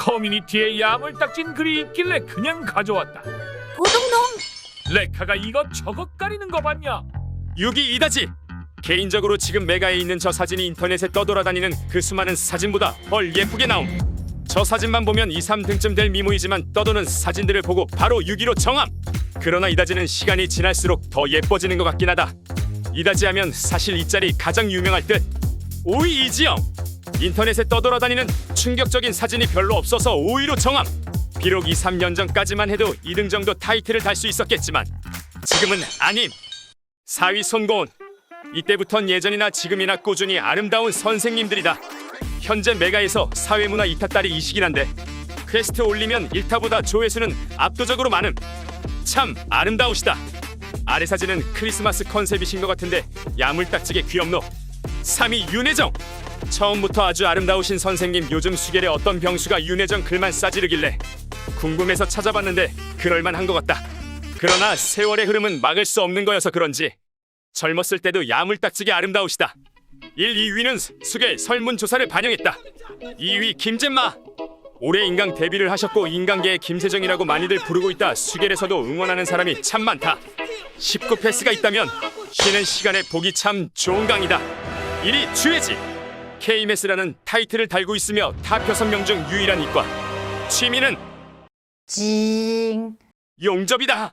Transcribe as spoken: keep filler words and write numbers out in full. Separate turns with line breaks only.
커뮤니티에 야물딱진 글이 있길래 그냥 가져왔다.
도둑놈!
레카가 이것 저것 가리는 거 봤냐?
육이 이다지. 개인적으로 지금 메가에 있는 저 사진이 인터넷에 떠돌아다니는 그 수많은 사진보다 헐 예쁘게 나옴. 저 사진만 보면 이, 삼 등쯤 될 미모이지만 떠도는 사진들을 보고 바로 육 위로 정함. 그러나 이다지는 시간이 지날수록 더 예뻐지는 것 같긴 하다. 이다지 하면 사실 이 짤이 가장 유명할 듯. 오 위 이지영. 인터넷에 떠돌아다니는 충격적인 사진이 별로 없어서 오 위로 정함. 비록 이, 삼 년 전까지만 해도 이 등 정도 타이틀을 달 수 있었겠지만 지금은 아님. 사 위 손고은. 이때부턴 예전이나 지금이나 꾸준히 아름다운 선생님들이다. 현재 메가에서 사회문화 이 타 딸이 이시긴 한데 퀘스트 올리면 일 타보다 조회수는 압도적으로 많음. 참 아름다우시다. 아래 사진은 크리스마스 컨셉이신 것 같은데 야물딱지게 귀엽노. 삼 위 윤혜정. 처음부터 아주 아름다우신 선생님. 요즘 수결에 어떤 병수가 윤혜정 글만 싸지르길래 궁금해서 찾아봤는데 그럴만한 것 같다. 그러나 세월의 흐름은 막을 수 없는 거여서 그런지 젊었을 때도 야물딱지게 아름다우시다. 일, 이 위는 수결 설문조사를 반영했다. 이 위 김잼마. 올해 인강 데뷔를 하셨고 인강계의 김세정이라고 많이들 부르고 있다. 수결에서도 응원하는 사람이 참 많다. 십구 패스가 있다면 쉬는 시간에 보기 참 좋은 강이다. 일 위 주혜지. 케이엠에스라는 타이틀을 달고 있으며 탑 여섯 명 중 유일한 이과. 취미는
징.
용접이다.